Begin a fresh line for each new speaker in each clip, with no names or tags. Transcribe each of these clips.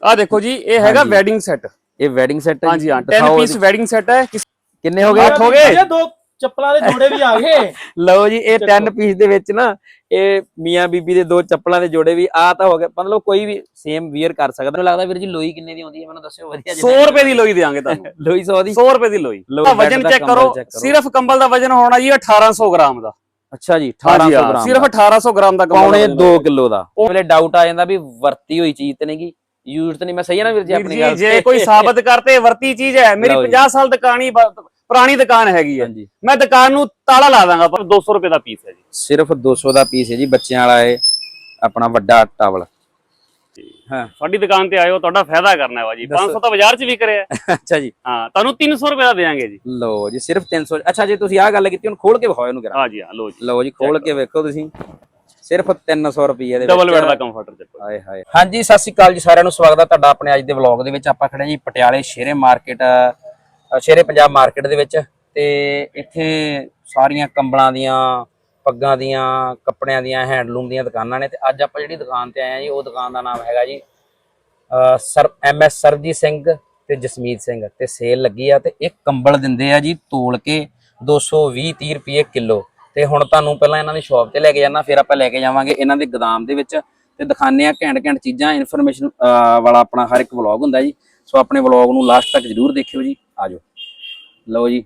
ਆ ਦੇਖੋ ਜੀ, ਇਹ ਹੈਗਾ ਵੈਡਿੰਗ ਸੈੱਟ।
ਇਹ ਵੈਡਿੰਗ ਸੈੱਟ ਹੈ?
ਹਾਂਜੀ ਹਾਂ, 10 ਪੀਸ ਵੈਡਿੰਗ ਸੈੱਟ ਹੈ।
ਕਿੰਨੇ ਹੋ ਗਏ?
8 ਹੋ ਗਏ।
ਦੋ ਚੱਪਲਾਂ ਦੇ ਜੋੜੇ ਵੀ ਆ ਗਏ।
ਲਓ ਜੀ, ਇਹ 10 ਪੀਸ ਦੇ ਵਿੱਚ ਨਾ ਇਹ ਮੀਆਂ ਬੀਬੀ ਦੇ 2 ਚੱਪਲਾਂ ਦੇ ਜੋੜੇ ਵੀ ਆ ਤਾਂ ਹੋ ਗਏ। ਮਤਲਬ ਕੋਈ ਵੀ ਸੇਮ ਵੀਅਰ ਕਰ ਸਕਦਾ। ਮੈਨੂੰ ਲੱਗਦਾ ਵੀਰ ਜੀ ਲੋਈ ਕਿੰਨੇ ਦੀ ਆਉਂਦੀ ਹੈ, ਮੈਨੂੰ ਦੱਸਿਓ ਵਧੀਆ।
100 ਰੁਪਏ ਦੀ ਲੋਈ ਦੇਵਾਂਗੇ ਤੁਹਾਨੂੰ।
ਲੋਈ 100 ਦੀ?
100 ਰੁਪਏ ਦੀ ਲੋਈ। ਵਜਨ ਚੈੱਕ ਕਰੋ, ਸਿਰਫ ਕੰਬਲ ਦਾ ਵਜਨ ਹੋਣਾ ਜੀ 1800 ਗ੍ਰਾਮ ਦਾ।
ਅੱਛਾ ਜੀ, 1800 ਗ੍ਰਾਮ,
ਸਿਰਫ 1800 ਗ੍ਰਾਮ ਦਾ,
ਪੌਣੇ 2 ਕਿਲੋ ਦਾ। ਉਹ ਵੇਲੇ ਡਾਊਟ ਆ ਜਾਂਦਾ ਵੀ ਵਰਤੀ ਹੋਈ ਚੀਜ਼ ਤੇ ਨਹੀਂਗੀ, ਯੂਜ਼ ਤੇ ਨਹੀਂ। ਮੈਂ ਸਹੀ ਹੈ ਨਾ ਵੀਰ ਜੀ ਆਪਣੀ ਗੱਲ?
ਜੇ ਕੋਈ ਸਾਬਤ ਕਰਤੇ ਵਰਤੀ ਚੀਜ਼ ਹੈ। ਮੇਰੀ 50 ਸਾਲ ਪੁਰਾਣੀ ਦੁਕਾਨ ਹੈਗੀ ਹੈ, ਮੈਂ ਦੁਕਾਨ ਨੂੰ ਤਾਲਾ ਲਾ ਦਾਂਗਾ, ਪਰ 200 ਰੁਪਏ ਦਾ ਪੀਸ ਹੈ ਜੀ।
ਸਿਰਫ 200 ਦਾ ਪੀਸ ਹੈ ਜੀ, ਬੱਚਿਆਂ ਵਾਲਾ ਇਹ ਆਪਣਾ ਵੱਡਾ ਟਾਵਲ।
ਹਾਂ, ਸਾਡੀ ਦੁਕਾਨ ਤੇ ਆਇਓ, ਤੁਹਾਡਾ ਫਾਇਦਾ ਕਰਨਾ ਹੈ ਬਾਜੀ। 500 ਤਾਂ ਬਾਜ਼ਾਰ 'ਚ ਵੀ ਕਰਿਆ।
ਅੱਛਾ ਜੀ,
ਹਾਂ, ਤੁਹਾਨੂੰ 300 ਰੁਪਏ ਦਾ ਦੇਵਾਂਗੇ ਜੀ।
ਲਓ ਜੀ, ਸਿਰਫ 300। ਅੱਛਾ ਜੀ, ਤੁਸੀਂ ਆਹ ਗੱਲ ਕੀਤੀ, ਹੁਣ ਖੋਲ ਕੇ ਵਿਖਾਓ ਇਹਨੂੰ ਜਰਾ।
ਹਾਂ ਜੀ, ਹਾਂ, ਲਓ ਜੀ,
ਲਓ ਜੀ, ਖੋਲ ਕੇ ਵੇਖੋ ਤੁਸੀਂ। ਸਿਰਫ 300 ਰੁਪਏ ਦੇ
ਡਬਲ ਬੈੱਡ ਦਾ ਕੰਫਰਟਰ ਚੱਕੋ।
ਹਾਏ ਹਾਏ। ਹਾਂਜੀ, ਸਤਿ ਸ਼੍ਰੀ ਅਕਾਲ ਜੀ ਸਾਰਿਆਂ ਨੂੰ, ਸਵਾਗਤ ਹੈ ਤੁਹਾਡਾ ਆਪਣੇ ਅੱਜ ਦੇ ਵਲੌਗ ਦੇ ਵਿੱਚ। ਆਪਾਂ ਖੜੇ ਜੀ ਪਟਿਆਲੇ ਸ਼ੇਰੇ ਮਾਰਕੀਟ, ਸ਼ੇਰੇ ਪੰਜਾਬ ਮਾਰਕੀਟ ਦੇ ਵਿੱਚ। ਤੇ ਇੱਥੇ ਸਾਰੀਆਂ ਕੰਬਲਾਂ ਦੀਆਂ, ਪੱਗਾਂ ਦੀਆਂ, ਕੱਪੜਿਆਂ ਦੀਆਂ, ਹੈਂਡਲੂਮ ਦੀਆਂ ਦੁਕਾਨਾਂ ਨੇ। ਤੇ ਅੱਜ ਆਪਾਂ ਜਿਹੜੀ ਦੁਕਾਨ ਤੇ ਆਏ ਆ ਜੀ, ਉਹ ਦੁਕਾਨ ਦਾ ਨਾਮ ਹੈਗਾ ਜੀ MS ਸਰਬਜੀਤ ਸਿੰਘ ਤੇ ਜਸਮੀਤ ਸਿੰਘ। ਤੇ ਸੇਲ ਲੱਗੀ ਆ ਤੇ ਇਹ ਕੰਬਲ ਦਿੰਦੇ ਆ ਜੀ ਤੋਲ ਕੇ 220-30 ਰੁਪਏ ਕਿਲੋ। ਤੇ ਹੁਣ ਤੁਹਾਨੂੰ ਪਹਿਲਾਂ ਇਹਨਾਂ ਦੀ ਸ਼ਾਪ ਤੇ ਲੈ ਕੇ ਜਾਣਾ, ਫਿਰ ਆਪਾਂ ਲੈ ਕੇ ਜਾਵਾਂਗੇ ਇਹਨਾਂ ਦੇ ਗੋਦਾਮ ਦੇ ਵਿੱਚ ਤੇ ਦਿਖਾਣੇ ਆ ਘੈਂਟ ਚੀਜ਼ਾਂ। ਇਨਫੋਰਮੇਸ਼ਨ ਵਾਲਾ ਆਪਣਾ ਹਰ ਇੱਕ ਵਲੌਗ ਹੁੰਦਾ ਜੀ, ਸੋ ਆਪਣੇ ਵਲੌਗ ਨੂੰ ਲਾਸਟ ਤੱਕ ਜ਼ਰੂਰ ਦੇਖਿਓ ਜੀ। ਆਜੋ, ਲਓ ਜੀ,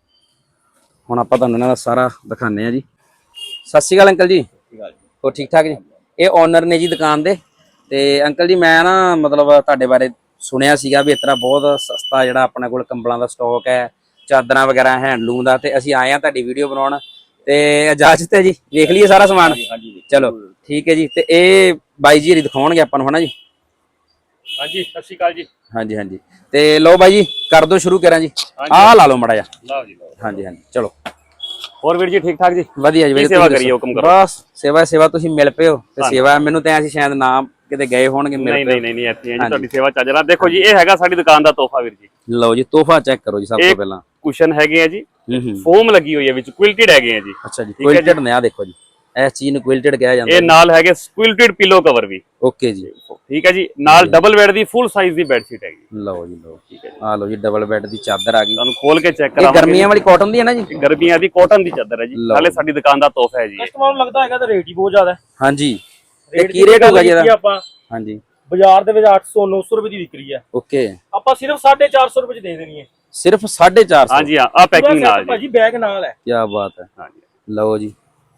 ਹੁਣ ਆਪਾਂ ਤੁਹਾਨੂੰ ਇਹਨਾਂ ਦਾ ਸਾਰਾ ਦਿਖਾਣੇ ਆ ਜੀ। ਸਤਿ ਸ਼੍ਰੀ ਅਕਾਲ ਅੰਕਲ ਜੀ। ਹੋਰ ਠੀਕ ਠਾਕ ਜੀ? ਇਹ ਓਨਰ ਨੇ ਜੀ ਦੁਕਾਨ ਦੇ। ਤੇ ਅੰਕਲ ਜੀ, ਮੈਂ ਨਾ ਮਤਲਬ ਤੁਹਾਡੇ ਬਾਰੇ ਸੁਣਿਆ ਸੀਗਾ ਵੀ ਇਸ ਤਰ੍ਹਾਂ ਬਹੁਤ ਸਸਤਾ ਜਿਹੜਾ ਆਪਣੇ ਕੋਲ ਕੰਬਲਾਂ ਦਾ ਸਟਾਕ ਹੈ, ਚਾਦਰਾਂ ਵਗੈਰਾ, ਹੈਂਡਲੂਮ ਦਾ। ਤੇ ਅਸੀਂ ਆਏ ਆ ਤੁਹਾਡੀ ਵੀਡੀਓ ਬਣਾਉਣ, ਤੇ ਇਜਾਜ਼ਤ ਹੈ ਜੀ ਵੇਖ ਲਈਏ ਸਾਰਾ ਸਮਾਨ? ਚਲੋ ਠੀਕ ਹੈ ਜੀ। ਤੇ ਇਹ ਬਾਈ ਜੀ ਦਿਖਾਉਣਗੇ ਆਪਾਂ ਨੂੰ, ਹਨਾ ਜੀ?
ਹਾਂਜੀ, ਸਤਿ ਸ਼੍ਰੀ ਅਕਾਲ ਜੀ।
ਹਾਂਜੀ ਹਾਂਜੀ। ਤੇ ਲਓ ਬਾਈ ਜੀ, ਕਰ ਦੋ ਸ਼ੁਰੂ ਕਰਾਂ ਜੀ। ਆਹ ਲਾ ਲਓ ਮੜਾ ਜਾ।
ਲਓ ਜੀ, ਲਓ।
ਹਾਂਜੀ ਹਾਂਜੀ, ਚਲੋ।
ਹੋਰ ਵੀਰ ਜੀ ਠੀਕ ਠਾਕ ਜੀ?
ਵਧੀਆ ਜੀ।
ਸੇਵਾ ਕਰੀਏ, ਹੁਕਮ ਕਰੋ।
ਬਸ ਸੇਵਾ ਤੁਸੀਂ ਮਿਲ ਪਏ ਹੋ ਤੇ ਸੇਵਾ ਮੈਨੂੰ ਤਾਂ ਅਸੀਂ ਸ਼ਾਇਦ ਨਾਮ ਕਿਤੇ ਗਏ ਹੋਣਗੇ।
ਨਹੀਂ ਇੱਥੇ ਜੀ ਤੁਹਾਡੀ ਸੇਵਾ ਚੱਜ ਨਾਲ। ਦੇਖੋ ਜੀ, ਇਹ ਹੈਗਾ ਸਾਡੀ ਦੁਕਾਨ ਦਾ ਤੋਹਫਾ ਵੀਰ ਜੀ।
ਲਓ ਜੀ, ਤੋਹਫਾ ਚੈੱਕ ਕਰੋ ਜੀ। ਸਭ ਤੋਂ ਪਹਿਲਾਂ
ਕੁਸ਼ਨ ਹੈਗੇ ਆ ਜੀ, ਫੋਮ ਲੱਗੀ ਹੋਈ ਹੈ ਵਿੱਚ, ਕੁਇਲਟਡ ਹੈਗੇ ਆ ਜੀ।
ਅੱਛਾ ਜੀ, ਕੁਇਲਟਡ ਨੇ। ਆ ਦੇਖੋ ਜੀ, ਇਸ ਚੀਜ਼ ਨੂੰ ਕੁਇਲਟਡ ਕਿਹਾ ਜਾਂਦਾ।
ਇਹ ਨਾਲ ਹੈਗੇ ਕੁਇਲਟਡ ਪਿਲੋ ਕਵਰ ਵੀ।
ਓਕੇ ਜੀ,
ਠੀਕ ਹੈ ਜੀ। ਨਾਲ ਡਬਲ ਬੈੱਡ ਦੀ ਫੁੱਲ ਸਾਈਜ਼ ਦੀ ਬੈੱਡ ਸ਼ੀਟ ਹੈਗੀ।
ਲਓ ਜੀ, ਲਓ। ਠੀਕ ਹੈ ਜੀ, ਆ ਲਓ ਜੀ, ਡਬਲ ਬੈੱਡ ਦੀ ਚਾਦਰ ਆ ਗਈ।
ਤੁਹਾਨੂੰ ਖੋਲ ਕੇ ਚੈੱਕ
ਕਰਾਵਾਂਗੇ। ਇਹ ਗਰਮੀਆਂ ਵਾਲੀ ਕਾਟਨ ਦੀ ਹੈ ਨਾ ਜੀ?
ਗਰਮੀਆਂ ਦੀ ਕਾਟਨ ਦੀ ਚਾਦਰ ਹੈ ਜੀ, ਨਾਲੇ ਸਾਡੀ ਦੁਕਾਨ ਦਾ ਤੋਹਫਾ ਹੈ ਜੀ।
ਕਸਟਮਰ ਨੂੰ ਲੱਗਦਾ ਹੈਗਾ ਤਾਂ ਰੇਟ ਹੀ ਬਹੁਤ ਜ਼ਿਆਦਾ ਹੈ।
ਹਾਂਜੀ, ਇਹ ਕੀ ਰੇਟ ਹੋਗਾ ਜੀ ਇਹਦਾ?
ਆਪਾਂ
ਹਾਂਜੀ,
ਬਾਜ਼ਾਰ ਦੇ ਵਿੱਚ 800-900 ਰੁਪਏ ਦੀ ਵਿਕਰੀ ਹੈ।
ਓਕੇ,
ਆਪਾਂ ਸਿਰਫ 450 ਰੁਪਏ ਚ ਦੇ ਦੇਣੀ ਹੈ।
ਸਿਰਫ 450?
ਹਾਂਜੀ ਹਾਂ, ਆ ਪੈਕਿੰਗ ਨਾਲ
ਭਾਜੀ, ਬੈਗ ਨਾਲ ਹੈ।
ਕੀ ਬਾਤ ਹੈ।
ਹਾਂਜੀ,
ਲਓ ਜੀ,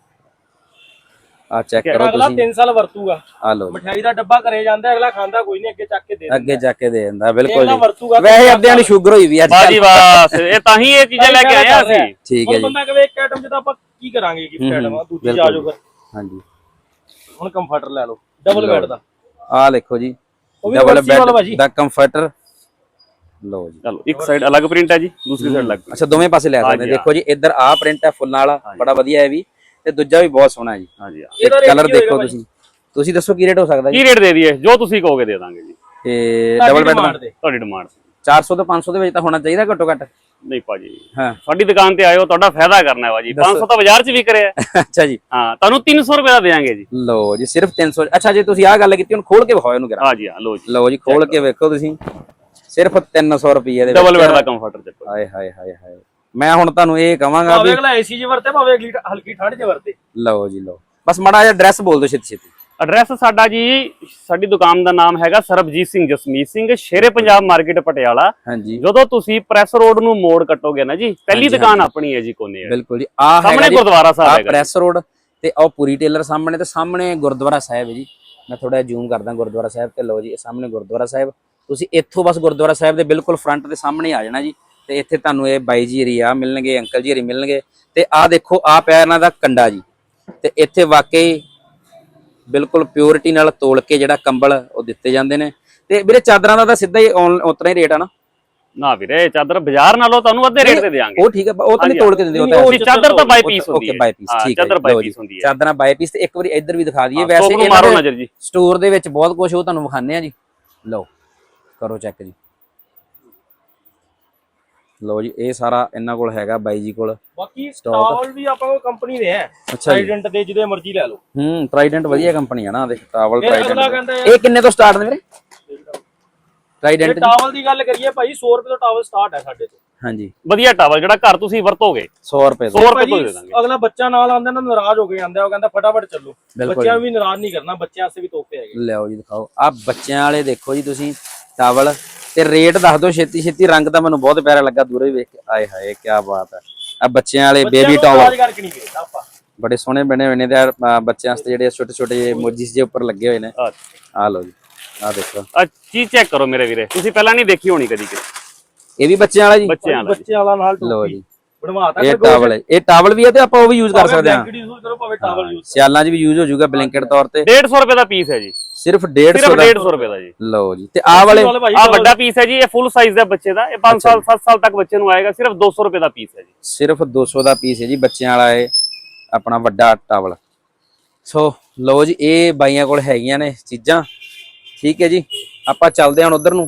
ਆ ਚੈੱਕ ਕਰੋ
ਅਗਲਾ
ਤੁਸੀਂ।
3 ਸਾਲ ਵਰਤੂਗਾ।
ਆ ਲਓ,
ਮਠਿਆਈ ਦਾ ਡੱਬਾ ਘਰੇ ਜਾਂਦਾ, ਅਗਲਾ ਖਾਂਦਾ ਕੋਈ ਨਹੀਂ, ਅੱਗੇ ਚੱਕ ਕੇ ਦੇ ਦਿੰਦਾ।
ਅੱਗੇ ਜਾ ਕੇ ਦੇ ਦਿੰਦਾ, ਬਿਲਕੁਲ ਜੀ।
ਵਰਤੂਗਾ।
ਵੈਸੇ ਅੱਧਿਆਂ ਨੂੰ ਸ਼ੂਗਰ ਹੋਈ ਵੀ ਅੱਜ।
ਬਾਜੀ ਬਸ, ਇਹ ਤਾਂ ਹੀ ਇਹ ਚੀਜ਼ਾਂ ਲੈ ਕੇ ਆਏ ਆ ਅਸੀਂ।
ਠੀਕ ਹੈ ਜੀ।
ਬੰਦਾ ਕਹੇ ਇੱਕ ਆਈਟਮ ਜਿੱਦਾਂ ਆਪਾਂ ਕੀ ਕਰਾਂਗੇ, ਗਿਫਟ ਆਈਟਮ ਆ, ਦੂਜੀ ਆ ਜਾਓ ਫਿਰ।
ਹਾਂਜੀ,
ਹੁਣ ਕੰਫਰਟਰ ਲੈ ਲਓ ਡਬਲ ਬੈੱਡ ਦਾ।
ਆ ਦੇਖੋ ਜੀ, ਡਬਲ ਬੈੱਡ ਦਾ ਕੰਫਰਟਰ। ਲਓ ਜੀ,
ਚਲੋ, ਇੱਕ ਸਾਈਡ ਅਲੱਗ ਪ੍ਰਿੰਟ ਹੈ ਜੀ, ਦੂਸਰੀ ਸਾਈਡ ਅਲੱਗ।
ਅੱਛਾ, ਦੋਵੇਂ ਪਾਸੇ ਲੈ ਸਕਦੇ। ਦੇਖੋ ਜੀ, ਇੱਧਰ ਆ ਪ੍ਰਿੰਟ ਹੈ ਫੁੱਲਾਂ ਵਾਲਾ, ਬੜਾ ਵਧੀਆ ਹੈ ਵੀ, ਤੇ ਦੂਜਾ ਵੀ ਬਹੁਤ ਸੋਹਣਾ ਹੈ ਜੀ।
ਹਾਂਜੀ,
ਕਲਰ ਦੇਖੋ ਤੁਸੀਂ ਦੱਸੋ ਕੀ ਰੇਟ ਹੋ ਸਕਦਾ ਜੀ?
ਕੀ ਰੇਟ ਦੇ ਦਈਏ? ਜੋ ਤੁਸੀਂ ਕਹੋਗੇ ਦੇ ਦਾਂਗੇ ਜੀ।
ਤੇ ਡਬਲ ਬੈੱਡ ਦਾ
ਤੁਹਾਡੀ ਡਿਮਾਂਡ
400 ਤੋਂ 500 ਦੇ ਵਿੱਚ ਤਾਂ ਹੋਣਾ ਚਾਹੀਦਾ ਘੱਟੋ ਘੱਟ।
ਨਹੀਂ ਭਾਜੀ,
ਹਾਂ,
ਸਾਡੀ ਦੁਕਾਨ ਤੇ ਆਇਓ, ਤੁਹਾਡਾ ਫਾਇਦਾ ਕਰਨਾ ਹੈ ਬਾਜੀ। 500 ਤਾਂ ਬਾਜ਼ਾਰ 'ਚ ਵੀ ਕਰਿਆ।
ਅੱਛਾ ਜੀ,
ਹਾਂ, ਤੁਹਾਨੂੰ 300 ਰੁਪਏ ਦਾ ਦੇਵਾਂਗੇ ਜੀ।
ਲਓ ਜੀ, ਸਿਰਫ 300। ਅੱਛਾ ਜੀ, ਤੁਸੀਂ ਆਹ ਗੱਲ ਕੀਤੀ, ਹੁਣ ਖੋਲ ਕੇ ਵਿਖਾਓ ਇਹਨੂੰ ਜਰਾ।
ਹਾਂ ਜੀ, ਹਾਂ, ਲਓ ਜੀ,
ਲਓ ਜੀ, ਖੋਲ ਕੇ ਵੇਖੋ ਤੁਸੀਂ। ਸਿਰਫ 300 ਰੁਪਏ ਦੇ
ਡਬਲ ਬੈੱਡ ਦਾ ਕੰਫਰਟਰ ਚੱਕੋ।
ਹਾਏ ਹਾਏ ਹਾਏ ਹਾਏ। ਮੈਂ ਹੁਣ ਤੁਹਾਨੂੰ ਇਹ ਕਹਾਂਗਾ ਵੀ
ਅਗਲਾ ਏਸੀ 'ਚ ਵਰਤੇ, ਭਾਵੇਂ ਅਗਲੀ ਹਲਕੀ ਠੰਡ 'ਚ ਵਰਤੇ।
ਲਓ ਜੀ, ਲਓ। ਬਸ ਮਾੜਾ ਜਿਹਾ ਐਡਰੈਸ ਬੋਲ ਦਿਓ ਛੇਤੀ ਛੇਤੀ।
ਐਡਰੈਸ ਸਾਡਾ ਜੀ, ਸਾਡੀ ਦੁਕਾਨ ਦਾ ਨਾਮ ਹੈਗਾ ਸਰਬਜੀਤ ਸਿੰਘ ਜਸਮੀਤ ਸਿੰਘ, ਸ਼ੇਰੇ ਪੰਜਾਬ ਮਾਰਕੀਟ ਪਟਿਆਲਾ।
ਹਾਂਜੀ,
ਜਦੋਂ ਤੁਸੀਂ ਪ੍ਰੈਸ ਰੋਡ ਨੂੰ ਮੋੜ ਕੱਟੋਗੇ ਨਾ ਜੀ, ਪਹਿਲੀ ਦੁਕਾਨ ਆਪਣੀ ਹੈ ਜੀ, ਕੋਨੇ।
ਬਿਲਕੁਲ ਜੀ। ਆ
ਸਾਹਮਣੇ ਗੁਰਦੁਆਰਾ ਸਾਹਿਬ ਹੈਗਾ,
ਪ੍ਰੈਸ ਰੋਡ ਤੇ ਉਹ ਪੂਰੀ ਟੇਲਰ ਸਾਹਮਣੇ, ਤੇ ਸਾਹਮਣੇ ਗੁਰਦੁਆਰਾ ਸਾਹਿਬ ਹੈ ਜੀ। ਮੈਂ ਥੋੜਾ ਜ਼ੂਮ ਕਰਦਾ ਗੁਰਦੁਆਰਾ ਸਾਹਿਬ ਤੇ। ਲਓ ਜੀ, ਇਹ ਸਾਹਮਣੇ ਗੁਰਦੁਆਰਾ ਸਾਹਿਬ। ਤੁਸੀਂ ਇੱਥੋਂ ਬਸ ਗੁਰਦੁਆਰਾ ਸਾਹਿਬ ਦੇ ਬਿਲਕੁਲ ਫਰੰਟ ਦੇ ਸਾਹਮਣੇ ਆ ਜਾਣਾ ਜੀ। ਤੇ ਇੱਥੇ ਤੁਹਾਨੂੰ ਇਹ ਬਾਈ ਜੀ ਹਰੀ ਆ ਮਿਲਣਗੇ, ਅੰਕਲ ਜੀ ਹਰੀ ਮਿਲਣਗੇ। ਤੇ ਆਹ ਦੇਖੋ, ਆ ਪਿਆ ਇਹਨਾਂ ਦਾ ਕੰਡਾ ਜੀ। ਤੇ ਇੱਥੇ ਵਾਕਈ ਬਿਲਕੁਲ ਪਿਓਰਿਟੀ ਨਾਲ ਤੋਲ ਕੇ ਜਿਹੜਾ ਕੰਬਲ ਉਹ ਦਿੱਤੇ ਜਾਂਦੇ ਨੇ। ਤੇ ਵੀਰੇ, ਚਾਦਰਾਂ ਦਾ ਤਾਂ ਸਿੱਧਾ ਹੀ ਉਤਨਾ ਹੀ ਰੇਟ ਆ ਨਾ?
ਨਾ ਵੀਰੇ, ਚਾਦਰ ਬਾਜ਼ਾਰ ਨਾਲੋਂ ਤੁਹਾਨੂੰ ਅੱਧੇ ਰੇਟ ਤੇ ਦੇਵਾਂਗੇ।
ਉਹ ਠੀਕ ਹੈ, ਉਹ ਤਾਂ ਨਹੀਂ ਤੋਲ ਕੇ ਦਿੰਦੇ।
ਉਹ ਚਾਦਰ ਤਾਂ ਬਾਈ ਪੀਸ ਹੁੰਦੀ ਹੈ।
ਓਕੇ, ਬਾਈ ਪੀਸ, ਠੀਕ ਹੈ।
ਚਾਦਰ ਬਾਈ ਪੀਸ ਹੁੰਦੀ ਹੈ।
ਚਾਦਰਾਂ ਬਾਈ ਪੀਸ। ਤੇ ਇੱਕ ਵਾਰੀ ਇੱਧਰ ਵੀ ਦਿਖਾ ਦਈਏ। ਵੈਸੇ
ਮਾਰੋ ਨਜ਼ਰ ਜੀ,
ਸਟੋਰ ਦੇ ਵਿੱਚ ਬਹੁਤ ਕੁਝ ਉਹ ਤੁਹਾਨੂੰ ਵਿਖਾਣੇ ਆ ਜੀ। ਲਓ, ਕਰੋ ਚੈੱਕ ਜੀ। ਲਓ ਜੀ, ਇਹ ਸਾਰਾ ਇਹਨਾਂ ਕੋਲ ਹੈਗਾ ਬਾਈ ਜੀ ਕੋਲ।
ਬਾਕੀ ਟਾਵਲ ਵੀ ਆਪਾਂ ਕੋਲ ਕੰਪਨੀ ਦੇ ਹੈ। ਟ੍ਰਾਈਡੈਂਟ ਦੇ ਜਿਹਦੇ ਮਰਜ਼ੀ ਲੈ ਲਓ।
ਟ੍ਰਾਈਡੈਂਟ ਵਧੀਆ ਕੰਪਨੀ ਆ ਨਾ। ਦੇਖ, ਟਾਵਲ ਟ੍ਰਾਈਡੈਂਟ। ਇਹ ਕਿੰਨੇ ਤੋਂ ਸਟਾਰਟ ਨੇ ਵੀਰੇ? ਟ੍ਰਾਈਡੈਂਟ
ਟਾਵਲ ਦੀ ਗੱਲ ਕਰੀਏ ਭਾਈ 100 ਰੁਪਏ ਤੋਂ ਟਾਵਲ ਸਟਾਰਟ ਹੈ ਸਾਡੇ ਤੋਂ।
ਹਾਂਜੀ
ਵਧੀਆ ਟਾਵਲ ਜਿਹੜਾ ਘਰ ਤੁਸੀਂ ਵਰਤੋਗੇ
100 ਰੁਪਏ
100 ਰੁਪਏ ਤੋਂ ਦੇ ਦਾਂਗੇ।
ਅਗਲਾ ਬੱਚਾ ਨਾਲ ਆਂਦਾ ਨਾ ਨਾਰਾਜ਼ ਹੋ ਕੇ ਆਂਦਾ, ਉਹ ਕਹਿੰਦਾ ਫਟਾਫਟ ਚੱਲੋ। ਬੱਚਿਆਂ ਨੂੰ ਵੀ ਨਾਰਾਜ਼ ਨਹੀਂ ਕਰਨਾ, ਬੱਚਿਆਂ ਵਾਸਤੇ ਵੀ ਤੋਹਫੇ ਹੈਗੇ।
ਲਿਆਓ ਜੀ ਦਿਖਾਓ ਆ ਬੱਚਿਆਂ ਵਾਲੇ ਦੇਖੋ ਜੀ ਤੁਸੀਂ ਟਾਵਲ ਤੇ ਰੇਟ ਦੱਸ ਦਿਓ ਛੇਤੀ ਛੇਤੀ। ਰੰਗ ਤਾਂ ਮੈਨੂੰ ਬਹੁਤ ਪਿਆਰਾ ਲੱਗਾ ਦੂਰੋਂ ਹੀ ਵੇਖ ਕੇ। ਆਏ ਹਾਏ ਕੀ ਬਾਤ ਹੈ। ਆ ਬੱਚਿਆਂ ਵਾਲੇ ਬੇਬੀ ਟਾਵਲ
ਕਰਕੇ ਨਹੀਂ ਗਏ ਆਪਾਂ,
ਬੜੇ ਸੋਹਣੇ ਬਣੇ ਹੋਏ ਨੇ ਤੇ ਬੱਚਿਆਂ ਵਾਸਤੇ ਜਿਹੜੇ ਛੋਟੇ ਛੋਟੇ ਜਿਹੇ ਮੋਜੀਸ ਜੇ ਉੱਪਰ ਲੱਗੇ ਹੋਏ ਨੇ। ਆ ਲਓ ਜੀ ਆ ਦੇਖੋ
ਆ ਚੀਜ਼ ਚੈੱਕ ਕਰੋ ਮੇਰੇ ਵੀਰੇ, ਤੁਸੀਂ ਪਹਿਲਾਂ ਨਹੀਂ ਦੇਖੀ ਹੋਣੀ ਕਦੀ ਕਿਤੇ।
ਇਹ ਵੀ ਬੱਚਿਆਂ ਵਾਲਾ ਜੀ।
ਬੱਚਿਆਂ ਵਾਲਾ
ਬੱਚਿਆਂ ਵਾਲਾ ਨਾਲ
ਲਓ ਜੀ
ਬਣਵਾਤਾ।
ਇਹ ਟਾਵਲ ਹੈ, ਇਹ ਟਾਵਲ ਵੀ ਹੈ ਤੇ ਆਪਾਂ ਉਹ ਵੀ ਯੂਜ਼ ਕਰ ਸਕਦੇ ਹਾਂ।
ਭਾਵੇਂ ਟਾਵਲ ਯੂਜ਼
ਸਿਆਲਾਂ 'ਚ ਵੀ ਯੂਜ਼ ਹੋ ਜਾਊਗਾ ਬਲੈਂਕਟ ਤੌਰ ਤੇ।
150 ਰੁਪਏ ਦਾ ਪੀਸ ਹੈ ਜੀ,
ਸਿਰਫ 150 ਦਾ।
150 ਰੁਪਏ ਦਾ ਜੀ।
ਲਓ ਜੀ ਤੇ ਆਹ ਵਾਲੇ
ਆ ਵੱਡਾ ਪੀਸ ਹੈ ਜੀ, ਇਹ ਫੁੱਲ ਸਾਈਜ਼ ਦਾ ਬੱਚੇ ਦਾ, ਇਹ 5 ਸਾਲ 7 ਸਾਲ ਤੱਕ ਬੱਚੇ ਨੂੰ ਆਏਗਾ। ਸਿਰਫ 200 ਰੁਪਏ ਦਾ ਪੀਸ ਹੈ ਜੀ।
ਸਿਰਫ 200 ਦਾ ਪੀਸ ਹੈ ਜੀ ਬੱਚਿਆਂ ਵਾਲਾ ਇਹ ਆਪਣਾ ਵੱਡਾ ਟਾਵਲ। ਸੋ ਲਓ ਜੀ ਇਹ ਬਾਈਆਂ ਕੋਲ ਹੈਗੀਆਂ ਨੇ ਚੀਜ਼ਾਂ। ਠੀਕ ਹੈ ਜੀ ਆਪਾਂ ਚੱਲਦੇ ਹਾਂ ਹੁਣ ਉਧਰ ਨੂੰ।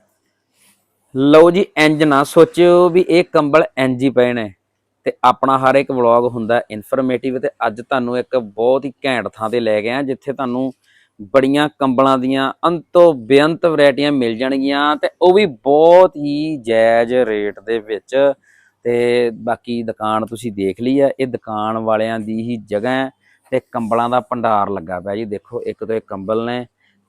ਲਓ ਜੀ ਇੰਜ ਨਾ ਸੋਚਿਓ ਵੀ ਇਹ ਕੰਬਲ ਇੰਜ ਹੀ ਪਏ ਨੇ। ਤੇ ਆਪਣਾ ਹਰ ਇੱਕ ਵਲੌਗ ਹੁੰਦਾ ਇਨਫੋਰਮੇਟਿਵ, ਤੇ ਅੱਜ ਤੁਹਾਨੂੰ ਇੱਕ ਬਹੁਤ ਹੀ ਘੈਂਟ ਥਾਂ ਤੇ ਲੈ ਗਏ ਆ ਜਿੱਥੇ ਤੁਹਾਨੂੰ ਬੜੀਆਂ ਕੰਬਲਾਂ ਦੀਆਂ ਅੰਤੋਂ ਬੇਅੰਤ ਵੈਰਾਈਟੀਆਂ ਮਿਲ ਜਾਣਗੀਆਂ ਤੇ ਉਹ ਵੀ ਬਹੁਤ ਹੀ ਜਾਇਜ਼ ਰੇਟ ਦੇ ਵਿੱਚ। ਤੇ ਬਾਕੀ ਦੁਕਾਨ ਤੁਸੀਂ ਦੇਖ ਲਈ ਆ, ਇਹ ਦੁਕਾਨ ਵਾਲਿਆਂ ਦੀ ਹੀ ਜਗ੍ਹਾ ਹੈ ਤੇ ਕੰਬਲਾਂ ਦਾ ਭੰਡਾਰ ਲੱਗਾ ਪਿਆ ਜੀ। ਦੇਖੋ ਇੱਕ ਤੋਂ ਇੱਕ ਕੰਬਲ ਨੇ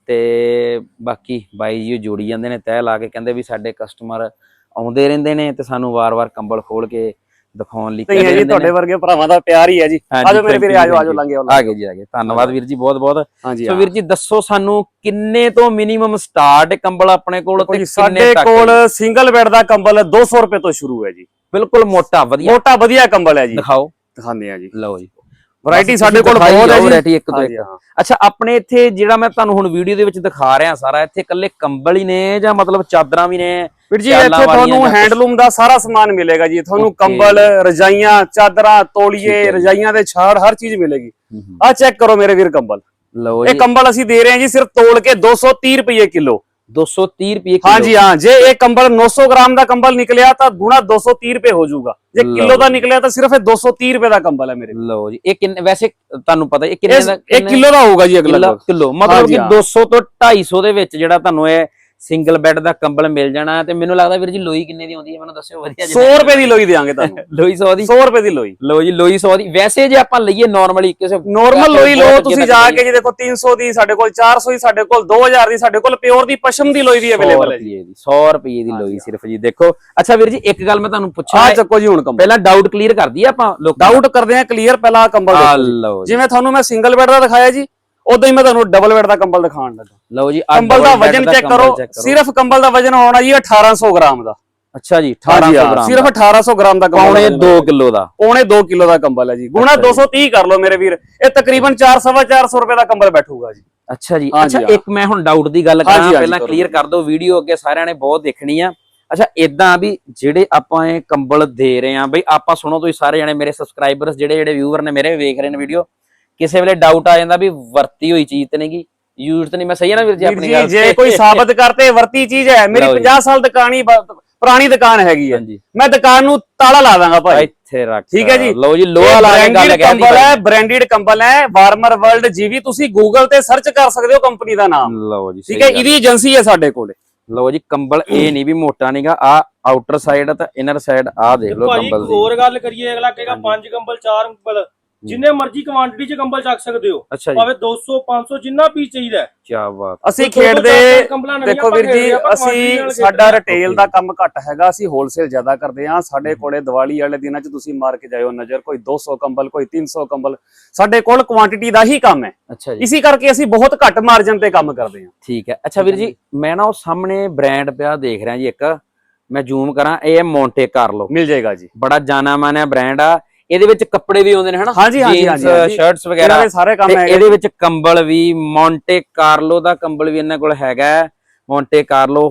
ਤੇ ਬਾਕੀ ਬਾਈ ਜੀ ਜੋੜੀ ਜਾਂਦੇ ਨੇ ਤਹਿ ਲਾ ਕੇ, ਕਹਿੰਦੇ ਵੀ ਸਾਡੇ ਕਸਟਮਰ ਆਉਂਦੇ ਰਹਿੰਦੇ ਨੇ ਤੇ ਸਾਨੂੰ ਵਾਰ-ਵਾਰ ਕੰਬਲ ਖੋਲ ਕੇ ਦਿਖਾਉਣ ਲਈ
ਕਹਿੰਦੇ ਜੀ। ਤੁਹਾਡੇ ਵਰਗੇ ਭਰਾਵਾਂ ਦਾ ਪਿਆਰ ਹੀ ਹੈ ਜੀ। ਆਜੋ ਮੇਰੇ ਵੀਰੇ, ਆਜੋ ਲੰਘੇ
ਆ ਗਏ ਜੀ ਆ ਗਏ। ਧੰਨਵਾਦ ਵੀਰ ਜੀ ਬਹੁਤ ਬਹੁਤ।
ਹਾਂਜੀ
ਸੋ ਵੀਰ ਜੀ ਦੱਸੋ ਸਾਨੂੰ ਕਿੰਨੇ ਤੋਂ ਮਿਨੀਮਮ ਸਟਾਰਟ ਕੰਬਲ ਆਪਣੇ ਕੋਲ ਤੇ
ਸਾਡੇ ਕੋਲ ਸਿੰਗਲ ਬੈੱਡ ਦਾ ਕੰਬਲ 200 ਰੁਪਏ ਤੋਂ ਸ਼ੁਰੂ ਹੈ ਜੀ।
ਬਿਲਕੁਲ ਮੋਟਾ ਵਧੀਆ
ਕੰਬਲ ਹੈ ਜੀ।
ਦਿਖਾਓ
ਦਿਖਾਉਂਦੇ ਆ ਜੀ।
ਲਓ ਜੀ
ਵੈਰਾਈਟੀ ਸਾਡੇ ਕੋਲ ਬਹੁਤ ਹੈ ਜੀ।
ਵੈਰਾਈਟੀ ਇੱਕ ਤੋਂ ਇੱਕ। ਅੱਛਾ ਆਪਣੇ ਇੱਥੇ ਜਿਹੜਾ ਮੈਂ ਤੁਹਾਨੂੰ ਹੁਣ ਵੀਡੀਓ ਦੇ ਵਿੱਚ ਦਿਖਾ ਰਿਹਾ ਸਾਰਾ, ਇੱਥੇ ਇਕੱਲੇ ਕੰਬਲ ਹੀ ਨੇ ਜਾਂ ਮਤਲਬ ਚਾਦਰਾਂ ਵੀ ਨੇ?
ਵੀਰ ਜੀ ਇੱਥੇ ਤੁਹਾਨੂੰ ਹੈਂਡਲੂਮ ਦਾ ਸਾਰਾ ਸਮਾਨ ਮਿਲੇਗਾ ਜੀ। ਤੁਹਾਨੂੰ ਕੰਬਲ, ਰਜਾਈਆਂ, ਚਾਦਰਾਂ, ਤੋਲੀਏ, ਰਜਾਈਆਂ ਦੇ ਛਾੜ, ਹਰ ਚੀਜ਼ ਮਿਲੇਗੀ। ਆ ਚੈੱਕ ਕਰੋ ਮੇਰੇ ਵੀਰ ਕੰਬਲ।
ਲਓ
ਇਹ ਕੰਬਲ ਅਸੀਂ ਦੇ ਰਹੇ ਹਾਂ ਜੀ ਸਿਰਫ ਤੋਲ ਕੇ 230 ਰੁਪਏ ਕਿਲੋ।
230 ਰੁਪਏ ਕਿਲੋ?
ਹਾਂਜੀ ਹਾਂ। ਜੇ ਇਹ ਕੰਬਲ 900 ਗ੍ਰਾਮ ਦਾ ਕੰਬਲ ਨਿਕਲਿਆ ਤਾਂ ਗੁਣਾ 230 ਰੁਪਏ ਹੋ ਜਾਊਗਾ। ਜੇ ਕਿਲੋ ਦਾ ਨਿਕਲਿਆ ਤਾਂ ਸਿਰਫ ਇਹ 230 ਰੁਪਏ ਦਾ ਕੰਬਲ ਹੈ ਮੇਰੇ।
ਲਓ ਜੀ ਇਹ ਕਿੰਨੇ ਵੈਸੇ ਤੁਹਾਨੂੰ ਪਤਾ ਇਹ ਕਿੰਨੇ ਦਾ?
1 ਕਿਲੋ ਦਾ ਹੋਊਗਾ ਜੀ ਅਗਲਾ
ਕਿਲੋ। ਮਤਲਬ ਕਿ 200 ਤੋਂ 250 ਦੇ ਵਿੱਚ ਜਿਹੜਾ ਤੁਹਾਨੂੰ ਇਹ ਸਿੰਗਲ ਬੈੱਡ ਦਾ ਕੰਬਲ ਮਿਲ ਜਾਣਾ। ਤੇ ਮੈਨੂੰ ਲੱਗਦਾ ਵੀਰ ਜੀ ਲੋਈ ਕਿੰਨੇ ਦੀ ਆਉਂਦੀ ਹੈ ਮੈਨੂੰ ਦੱਸਿਓ ਵਧੀਆ।
100 ਰੁਪਏ ਦੀ ਲੋਈ ਦੇਵਾਂਗੇ ਤੁਹਾਨੂੰ।
ਲੋਈ 100 ਦੀ?
100 ਰੁਪਏ ਦੀ ਲੋਈ।
ਲਓ ਜੀ ਲੋਈ 100 ਦੀ। ਵੈਸੇ ਜੇ ਆਪਾਂ ਲਈਏ ਨਾਰਮਲੀ ਕਿਸੇ
ਨੋਰਮਲ ਲੋਈ ਲਓ ਤੁਸੀਂ ਜਾ ਕੇ ਜੀ, ਦੇਖੋ 300 ਦੀ ਸਾਡੇ ਕੋਲ, 400 ਦੀ ਸਾਡੇ ਕੋਲ, 2000 ਦੀ ਸਾਡੇ ਕੋਲ ਪਿਓਰ ਦੀ ਪਸ਼ਮ ਦੀ ਲੋਈ ਵੀ ਅਵੇਲੇਬਲ ਹੈ ਜੀ।
100 ਰੁਪਏ ਦੀ ਲੋਈ ਸਿਰਫ ਜੀ। ਦੇਖੋ ਅੱਛਾ ਵੀਰ ਜੀ ਇੱਕ ਗੱਲ ਮੈਂ ਤੁਹਾਨੂੰ ਪੁੱਛਾਂ।
ਆ ਚੱਕੋ ਜੀ ਹੁਣ ਕੰਬਲ।
ਪਹਿਲਾਂ ਡਾਊਟ ਕਲੀਅਰ ਕਰ ਦਈਏ ਆਪਾਂ।
ਡਾਊਟ ਕਰਦੇ ਆ ਕਲੀਅਰ। ਪਹਿਲਾਂ ਕੰਬਲ ਦੇਖੋ, ਜਿਵੇਂ ਤੁਹਾਨੂੰ ਮੈਂ ਸਿੰਗਲ ਬੈੱਡ ਦਾ ਦਿਖਾਇਆ ਜੀ, ਉਦਾਂ ਹੀ ਮੈਂ ਤੁਹਾਨੂੰ ਡਬਲ ਬੈੱਡ ਦਾ ਕੰਬਲ ਦਿਖਾਉਣ ਲੱਗਾ।
ਲਓ ਜੀ
ਕੰਬਲ ਦਾ ਵਜਨ ਚੈੱਕ ਕਰੋ। ਸਿਰਫ ਕੰਬਲ ਦਾ ਵਜਨ ਹੋਣਾ ਜੀ 1800 ਗ੍ਰਾਮ ਦਾ।
ਅੱਛਾ ਜੀ 1800 ਗ੍ਰਾਮ,
ਸਿਰਫ 1800 ਗ੍ਰਾਮ ਦਾ ਕੰਬਲ।
ਪੌਣੇ 2 ਕਿਲੋ ਦਾ।
ਪੌਣੇ 2 ਕਿਲੋ ਦਾ ਕੰਬਲ ਹੈ ਜੀ। ਗੁਣਾ 230 ਕਰ ਲਓ ਮੇਰੇ ਵੀਰ, ਇਹ ਤਕਰੀਬਨ 400 ਰੁਪਏ ਦਾ ਕੰਬਲ ਬੈਠੂਗਾ ਜੀ।
ਅੱਛਾ ਜੀ। ਅੱਛਾ ਇੱਕ ਮੈਂ ਹੁਣ ਡਾਊਟ ਦੀ ਗੱਲ ਕਰਾਂ, ਪਹਿਲਾਂ ਕਲੀਅਰ ਕਰ ਦਿਓ। ਵੀਡੀਓ ਅੱਗੇ ਸਾਰਿਆਂ ਨੇ ਬਹੁਤ ਦੇਖਣੀ ਆ। ਅੱਛਾ ਇਦਾਂ ਵੀ ਜਿਹੜੇ ਆਪਾਂ ਇਹ ਕੰਬਲ ਦੇ ਰਹੇ ਆ ਬਈ, ਆਪਾਂ ਸੁਣੋ ਤੁਸੀਂ ਸਾਰੇ ਜਣੇ ਮੇਰੇ ਸਬਸਕ੍ਰਾਈਬਰਸ ਜਿਹੜੇ ਵਿਊਅਰ ਨੇ ਮੇਰੇ ਵੇਖ ਰਹੇ ਨੇ ਵੀਡੀਓ, ਕਿਸੇ ਵੇਲੇ ਡਾਊਟ ਆ ਜਾਂਦਾ ਵੀ ਵਰਤੀ ਹੋਈ ਚੀਜ਼ ਤੇ ਨਹੀਂਗੀ, ਯੂਜ਼ ਤੇ ਨਹੀਂ। ਮੈਂ ਸਹੀ ਆ ਨਾ ਵੀਰ ਜੀ ਆਪਣੀ ਗੱਲ?
ਜੇ ਕੋਈ ਸਾਬਤ ਕਰਤੇ ਵਰਤੀ ਚੀਜ਼ ਹੈ, ਮੇਰੀ 50 ਸਾਲ ਪੁਰਾਣੀ ਦੁਕਾਨ ਹੈਗੀ ਹੈ, ਮੈਂ ਦੁਕਾਨ ਨੂੰ ਤਾਲਾ ਲਾ ਦਾਂਗਾ ਭਾਈ।
ਇੱਥੇ ਰੱਖ।
ਠੀਕ ਹੈ ਜੀ।
ਲਓ ਜੀ ਲੋਹਾ ਲਾ ਕੇ ਗੱਲ ਕਹਿ
ਕੰਬਲ ਹੈ, ਬ੍ਰਾਂਡਡ ਕੰਬਲ ਹੈ, ਵਾਰਮਰ ਵਰਲਡ ਜੀਵੀ। ਤੁਸੀਂ ਗੂਗਲ ਤੇ ਸਰਚ ਕਰ ਸਕਦੇ ਹੋ ਕੰਪਨੀ ਦਾ ਨਾਮ।
ਲਓ ਜੀ
ਠੀਕ ਹੈ, ਇਹਦੀ ਏਜੰਸੀ ਹੈ ਸਾਡੇ ਕੋਲ।
ਲਓ ਜੀ ਕੰਬਲ ਇਹ ਨਹੀਂ ਵੀ ਮੋਟਾ ਨਹੀਂਗਾ। ਆ ਆਊਟਰ ਸਾਈਡ ਤੇ ਇਨਰ ਸਾਈਡ ਆ ਦੇਖ ਲਓ ਕੰਬਲ ਦੀ।
ਹੋਰ ਗੱਲ ਕਰੀਏ, ਅਗਲਾ ਕਹੇਗਾ 5 ਕੰਬਲ 4 ਕੰਬਲ, ਜਿੰਨੇ ਮਰਜ਼ੀ ਕੁਆਂਟੀਟੀ ਚ ਕੰਬਲ ਚੱਕ ਸਕਦੇ ਹੋ। ਭਾਵੇਂ 200 500 ਜਿੰਨਾ ਪੀਸ ਚਾਹੀਦਾ।
ਕੀ ਬਾਤ।
ਅਸੀਂ ਖੇਡਦੇ ਦੇਖੋ ਵੀਰ ਜੀ, ਅਸੀਂ ਸਾਡਾ ਰਿਟੇਲ ਦਾ ਕੰਮ ਘੱਟ ਹੈਗਾ, ਅਸੀਂ ਹੋਲਸੇਲ ਜ਼ਿਆਦਾ ਕਰਦੇ ਹਾਂ। ਸਾਡੇ ਕੋਲੇ ਦੀਵਾਲੀ ਵਾਲੇ ਦਿਨਾਂ 'ਚ ਤੁਸੀਂ ਮਾਰ ਕੇ ਜਾਇਓ ਨਜ਼ਰ, ਕੋਈ 200 ਕੰਬਲ, ਕੋਈ 300 ਕੰਬਲ। ਸਾਡੇ ਕੋਲ ਕੁਆਂਟੀਟੀ ਦਾ ਹੀ ਕੰਮ ਹੈ।
ਅੱਛਾ ਜੀ।
ਇਸੇ ਕਰਕੇ ਅਸੀਂ ਬਹੁਤ ਘੱਟ ਮਾਰਜਨ ਤੇ ਕੰਮ ਕਰਦੇ ਹਾਂ।
ਠੀਕ ਹੈ। ਅੱਛਾ ਵੀਰ ਜੀ ਮੈਂ ਨਾ ਉਹ ਸਾਹਮਣੇ ਬ੍ਰਾਂਡ ਪਿਆ ਦੇਖ ਰਿਹਾ ਜੀ, ਇੱਕ ਮੈਂ ਜ਼ੂਮ ਕਰਾਂ, ਇਹ ਮੌਂਟੇ ਕਾਰਲੋ
ਮਿਲ ਜਾਏਗਾ ਜੀ।
ਬੜਾ ਜਾਣਾ ਮਾਨਿਆ ਬ੍ਰਾਂਡ ਆ। ਇਹਦੇ ਵਿੱਚ ਕੱਪੜੇ ਵੀ ਆਉਂਦੇ ਨੇ ਹਨਾ?
ਹਾਂਜੀ
ਸ਼ਰਟਸ ਵਗੈਰਾ
ਸਾਰੇ ਕੰਮ ਹੈ।
ਇਹਦੇ ਵਿੱਚ ਕੰਬਲ ਵੀ ਮੌਂਟੇ ਕਾਰਲੋ ਦਾ ਕੰਬਲ ਵੀ ਇਹਨਾਂ ਕੋਲ ਹੈਗਾ। ਮੌਂਟੇ ਕਾਰਲੋ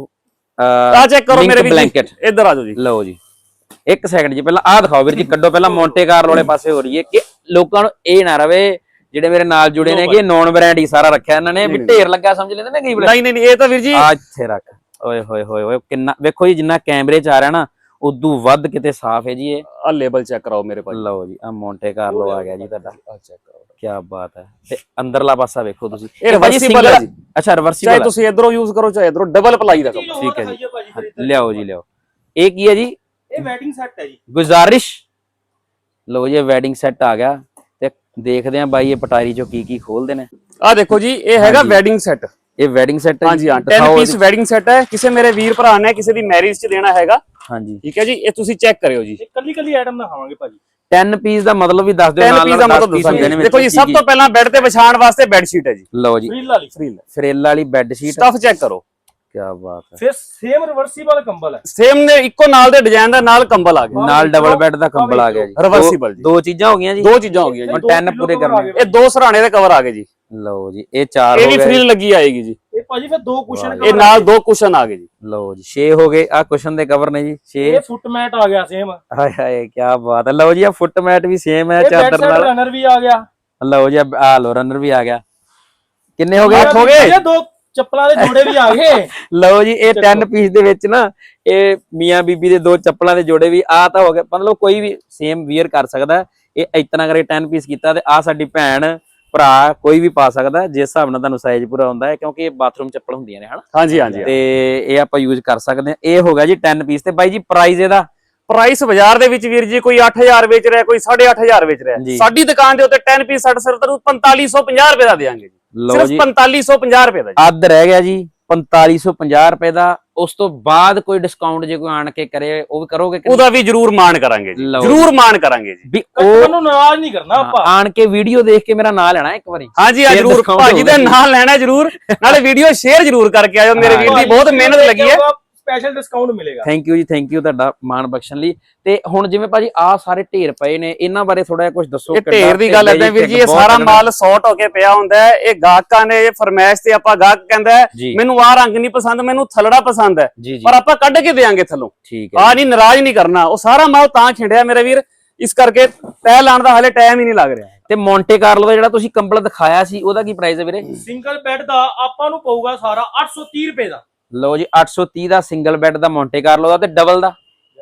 ਆ ਚੈੱਕ ਕਰੋ ਮੇਰੇ ਵੀਰ,
ਬਲੈਂਕਟ।
ਇੱਧਰ ਆ ਜਾਓ ਜੀ।
ਲਓ ਜੀ ਇੱਕ ਸੈਕਿੰਡ ਜੀ, ਪਹਿਲਾਂ ਆਹ ਦਿਖਾਓ ਵੀਰ ਜੀ, ਕੱਢੋ ਪਹਿਲਾਂ ਮੌਂਟੇ ਕਾਰਲੋ ਵਾਲੇ ਪਾਸੇ ਹੋ ਰਹੀ ਹੈ ਕਿ ਲੋਕਾਂ ਨੂੰ ਇਹ ਨਾ ਰਵੇ ਜਿਹੜੇ ਮੇਰੇ ਨਾਲ ਜੁੜੇ ਨੇ ਕਿ ਨੌਨ ਬ੍ਰਾਂਡ ਹੀ ਸਾਰਾ ਰੱਖਿਆ ਇਹਨਾਂ ਨੇ, ਵੀ ਢੇਰ ਲੱਗਾ ਸਮਝ ਲੈਂਦੇ ਨੇ ਕਈ ਵਾਰ।
ਨਹੀਂ ਇਹ ਤਾਂ ਵੀਰ ਜੀ
ਆ ਇੱਥੇ ਰੱਖ। ਓਏ ਹੋਏ ਹੋਏ ਹੋਏ ਕਿੰਨਾ ਵੇਖੋ ਜੀ, ਜਿੰਨਾ ਕੈਮਰੇ 'ਚ ਆ ਰਿਹਾ ਨਾ ਉਦੋਂ ਵੱਧ ਕਿਤੇ ਸਾਫ਼ ਹੈ ਜੀ। ਇਹ
ਆ ਲੇਬਲ ਚੈੱਕ ਕਰਾਓ ਮੇਰੇ ਭਾਈ।
ਲਓ ਜੀ ਆ ਮੌਂਟੇ ਕਾਰਲੋ ਆ ਗਿਆ ਜੀ ਤੁਹਾਡਾ।
ਆ ਚੈੱਕ ਕਰੋ।
ਕੀ ਬਾਤ ਹੈ। ਤੇ ਅੰਦਰਲਾ ਪਾਸਾ ਵੇਖੋ ਤੁਸੀਂ,
ਇਹ reversible ਹੈ ਜੀ।
ਅੱਛਾ ਰਿਵਰਸੀਬਲ,
ਚਾਹੇ ਤੁਸੀਂ ਇਧਰੋਂ ਯੂਜ਼ ਕਰੋ ਚਾਹੇ ਇਧਰੋਂ, ਡਬਲ ਪਲਾਈ ਦਾ ਕੰਮ।
ਠੀਕ ਹੈ ਜੀ, ਲਿਆਓ ਜੀ ਲਿਆਓ। ਇਹ ਕੀ ਹੈ ਜੀ?
ਇਹ ਵੈਡਿੰਗ ਸੈੱਟ ਹੈ ਜੀ।
ਗੁਜ਼ਾਰਿਸ਼, ਲਓ ਜੀ ਵੈਡਿੰਗ ਸੈੱਟ ਆ ਗਿਆ ਤੇ ਦੇਖਦੇ ਆਂ ਬਾਈ ਇਹ ਪਟਾਰੀ ਚੋਂ ਕੀ ਖੋਲਦੇ ਨੇ।
ਆ ਦੇਖੋ ਜੀ, ਇਹ ਹੈਗਾ ਵੈਡਿੰਗ ਸੈੱਟ।
ਇਹ ਵੈਡਿੰਗ ਸੈੱਟ ਹੈ?
ਹਾਂਜੀ ਹਾਂ, 10 ਪੀਸ ਵੈਡਿੰਗ ਸੈੱਟ ਹੈ। ਕਿਸੇ ਮੇਰੇ ਵੀਰ ਭਰਾ ਨੇ ਕਿਸੇ ਦੀ ਮੈਰਿਜ 'ਚ ਦੇਣਾ ਹੈਗਾ।
ਹਾਂਜੀ
ਠੀਕ ਹੈ ਜੀ, ਇਹ ਤੁਸੀਂ ਚੈੱਕ ਕਰਿਓ ਜੀ।
ਕੱਲੀ ਆਈਟਮ ਦਿਖਾਵਾਂਗੇ ਭਾਜੀ।
10 ਪੀਸ ਦਾ ਮਤਲਬ ਵੀ ਦੱਸ ਦਿਓ।
10 ਪੀਸ ਦਾ ਮਤਲਬ ਦੱਸੋ। ਦੇਖੋ ਜੀ, ਸਭ ਤੋਂ ਪਹਿਲਾਂ ਬੈੱਡ ਤੇ ਵਿਛਾਉਣ ਵਾਸਤੇ ਬੈੱਡ ਸ਼ੀਟ ਹੈ ਜੀ।
ਲਓ ਜੀ, ਫਰੇਲ ਵਾਲੀ ਬੈੱਡ ਸ਼ੀਟ।
ਸਟਫ ਚੈੱਕ ਕਰੋ,
ਕੀ ਬਾਤ ਹੈ।
ਫਿਰ ਸੇਮ ਰਿਵਰਸੀਬਲ ਕੰਬਲ ਹੈ।
ਸੇਮ ਨੇ ਇੱਕੋ ਨਾਲ ਦੇ ਡਿਜ਼ਾਈਨ ਦਾ ਨਾਲ ਕੰਬਲ ਆ ਗਿਆ,
ਨਾਲ ਡਬਲ ਬੈੱਡ ਦਾ ਕੰਬਲ ਆ ਗਿਆ ਜੀ।
ਰਿਵਰਸੀਬਲ ਜੀ।
ਦੋ ਚੀਜ਼ਾਂ ਹੋ ਗਈਆਂ ਜੀ।
ਦੋ ਚੀਜ਼ਾਂ ਹੋ ਗਈਆਂ ਜੀ।
ਹੁਣ 10 ਪੂਰੇ ਕਰਨੇ।
ਇਹ 2 ਸਰਾਣੇ ਦੇ ਕਵਰ ਆ ਗਏ ਜੀ।
ਲਓ ਜੀ, ਇਹ 4
ਇਹ
ਹੋ
ਵੀ
ਗਏ।
ਫ੍ਰਿਲ ਲੱਗੀ ਆਏਗੀ ਜੀ।
ਇਹ ਭਾਜੀ ਫਿਰ 2 ਕੁਸ਼ਨ
ਇਹ ਨਾਲ 2 ਕੁਸ਼ਨ ਆ ਗਏ ਜੀ।
ਲਓ ਜੀ 6 ਹੋ ਗਏ। ਆ ਕੁਸ਼ਨ ਦੇ ਕਵਰ ਨੇ ਜੀ 6।
ਇਹ ਫੁੱਟ ਮੈਟ ਆ ਗਿਆ ਸੇਮ।
ਹਾਏ ਹਾਏ ਕੀ ਬਾਤ ਹੈ। ਲਓ ਜੀ ਆ ਫੁੱਟ ਮੈਟ ਵੀ ਸੇਮ ਹੈ
ਇਹ
ਚਾਦਰ ਨਾਲ।
ਰਨਰ ਵੀ ਆ ਗਿਆ।
ਲਓ ਜੀ ਆ ਲੋ ਰਨਰ ਵੀ ਆ ਗਿਆ। ਕਿੰਨੇ ਹੋ ਗਏ?
8 ਹੋ ਗਏ।
ਇਹ 2 ਚੱਪਲਾਂ ਦੇ ਜੋੜੇ ਵੀ ਆ ਗਏ।
ਲਓ ਜੀ ਇਹ 10 ਪੀਸ ਦੇ ਵਿੱਚ ਨਾ ਇਹ ਮੀਆਂ ਬੀਬੀ ਦੇ 2 ਚੱਪਲਾਂ ਦੇ ਜੋੜੇ ਵੀ ਆ ਤਾਂ ਹੋ ਗਏ। ਮਤਲਬ ਕੋਈ ਵੀ ਸੇਮ ਵੀਅਰ ਕਰ ਸਕਦਾ। ਇਹ ਇਤਨਾ ਕਰੇ 10 ਪੀਸ ਕੀਤਾ ਤੇ ਆ ਸਾਡੀ ਭੈਣ ਭਰਾ ਕੋਈ ਵੀ ਪਾ ਸਕਦਾ ਜਿਸ ਹਿਸਾਬ ਨਾਲ ਤੁਹਾਨੂੰ ਸਾਈਜ਼ ਪੂਰਾ ਹੁੰਦਾ ਹੈ, ਕਿਉਂਕਿ ਇਹ ਬਾਥਰੂਮ ਚੱਪਲ ਹੁੰਦੀਆਂ ਨੇ ਹਨਾ।
ਹਾਂਜੀ ਹਾਂਜੀ,
ਤੇ ਇਹ ਆਪਾਂ ਯੂਜ਼ ਕਰ ਸਕਦੇ ਹਾਂ। ਇਹ ਹੋ ਗਿਆ ਜੀ 10 ਪੀਸ। ਤੇ ਬਾਈ ਜੀ ਪ੍ਰਾਈਸ ਇਹਦਾ?
ਪ੍ਰਾਈਸ ਬਾਜ਼ਾਰ ਦੇ ਵਿੱਚ ਵੀਰ ਜੀ ਕੋਈ 8000 ਵੇਚ ਰਿਹਾ, ਕੋਈ 8500 ਵੇਚ ਰਿਹਾ। ਸਾਡੀ ਦੁਕਾਨ ਦੇ ਉੱਤੇ 10 ਪੀਸ ਸਾਡੇ ਸਿਰਫ 4550 ਰੁਪਏ ਦਾ ਦੇਵਾਂਗੇ ਜੀ। ਸਿਰਫ 4550 ਰੁਪਏ ਦਾ।
ਅੱਧ ਰਹਿ ਗਿਆ ਜੀ 4550 ਰੁਪਏ ਦਾ। ਉਸ ਤੋਂ ਬਾਅਦ ਕੋਈ ਡਿਸਕਾਊਂਟ ਜੇ ਕੋਈ ਆਣ ਕੇ ਕਰੇ ਉਹ ਵੀ ਕਰੋਗੇ?
ਉਹਦਾ ਵੀ ਜਰੂਰ ਮਾਣ ਕਰਾਂਗੇ ਜੀ, ਜਰੂਰ ਮਾਣ ਕਰਾਂਗੇ ਜੀ।
ਵੀ
ਉਹਨੂੰ ਨਾਰਾਜ਼ ਨਹੀਂ ਕਰਨਾ ਆਪਾਂ।
ਆਣ ਕੇ ਵੀਡੀਓ ਦੇਖ ਕੇ ਮੇਰਾ ਨਾਂ ਲੈਣਾ ਇੱਕ ਵਾਰੀ।
ਹਾਂਜੀ ਹਾਂ ਜਰੂਰ, ਭਾਜੀ ਦਾ ਨਾਂ ਲੈਣਾ ਜਰੂਰ। ਨਾਲੇ ਵੀਡੀਓ ਸ਼ੇਅਰ ਜਰੂਰ ਕਰਕੇ ਆਇਓ। ਮੇਰੇ ਵੀਰ ਦੀ ਬਹੁਤ ਮਿਹਨਤ ਲੱਗੀ ਹੈ।
ਸਪੈਸ਼ਲ ਡਿਸਕਾਊਂਟ ਮਿਲੇਗਾ।
ਥੈਂਕ ਯੂ ਜੀ, ਥੈਂਕ ਯੂ ਤੁਹਾਡਾ ਮਾਣ ਬਖਸ਼ਣ ਲਈ। ਤੇ ਹੁਣ ਜਿਵੇਂ ਭਾਜੀ ਆ ਸਾਰੇ ਢੇਰ ਪਏ ਨੇ, ਇਹਨਾਂ ਬਾਰੇ ਥੋੜਾ ਜਿਹਾ ਕੁਝ ਦੱਸੋ।
ਇਹ ਢੇਰ ਦੀ ਗੱਲ ਏਦਾਂ ਵੀਰ ਜੀ, ਇਹ ਸਾਰਾ ਮਾਲ ਸੌਟ ਹੋ ਕੇ ਪਿਆ ਹੁੰਦਾ ਹੈ। ਇਹ ਗਾਹਕਾਂ ਨੇ ਇਹ ਫਰਮਾਇਸ਼ ਤੇ ਆਪਾਂ ਗਾਹਕ ਕਹਿੰਦਾ ਹੈ ਮੈਨੂੰ ਆਹ ਰੰਗ ਨਹੀਂ ਪਸੰਦ, ਮੈਨੂੰ ਥਲੜਾ ਪਸੰਦ ਹੈ, ਪਰ ਆਪਾਂ ਕੱਢ ਕੇ ਦੇਾਂਗੇ ਥੱਲੋਂ।
ਠੀਕ ਹੈ,
ਆ ਨਹੀਂ ਨਾਰਾਜ਼ ਨਹੀਂ ਕਰਨਾ। ਉਹ ਸਾਰਾ ਮਾਲ ਤਾਂ ਖਿੰਡਿਆ ਮੇਰੇ ਵੀਰ, ਇਸ ਕਰਕੇ ਤੈ ਲਾਣ ਦਾ ਹਲੇ ਟਾਈਮ ਹੀ ਨਹੀਂ ਲੱਗ ਰਿਹਾ।
ਤੇ ਮੌਂਟੇ ਕਾਰਲੋ ਦਾ ਜਿਹੜਾ ਤੁਸੀਂ ਕੰਬਲ ਦਿਖਾਇਆ ਸੀ ਉਹਦਾ ਕੀ ਪ੍ਰਾਈਸ ਹੈ ਵੀਰੇ?
ਸਿੰਗਲ ਬੈੱਡ ਦਾ ਆਪਾਂ ਨੂੰ ਪਊਗਾ ਸਾਰਾ 830 ਰੁਪਏ ਦਾ।
ਲਓ ਜੀ 830 ਦਾ ਸਿੰਗਲ ਬੈੱਡ ਦਾ ਮੌਂਟੇ ਕਾਰਲੋ ਦਾ। ਤੇ ਡਬਲ ਦਾ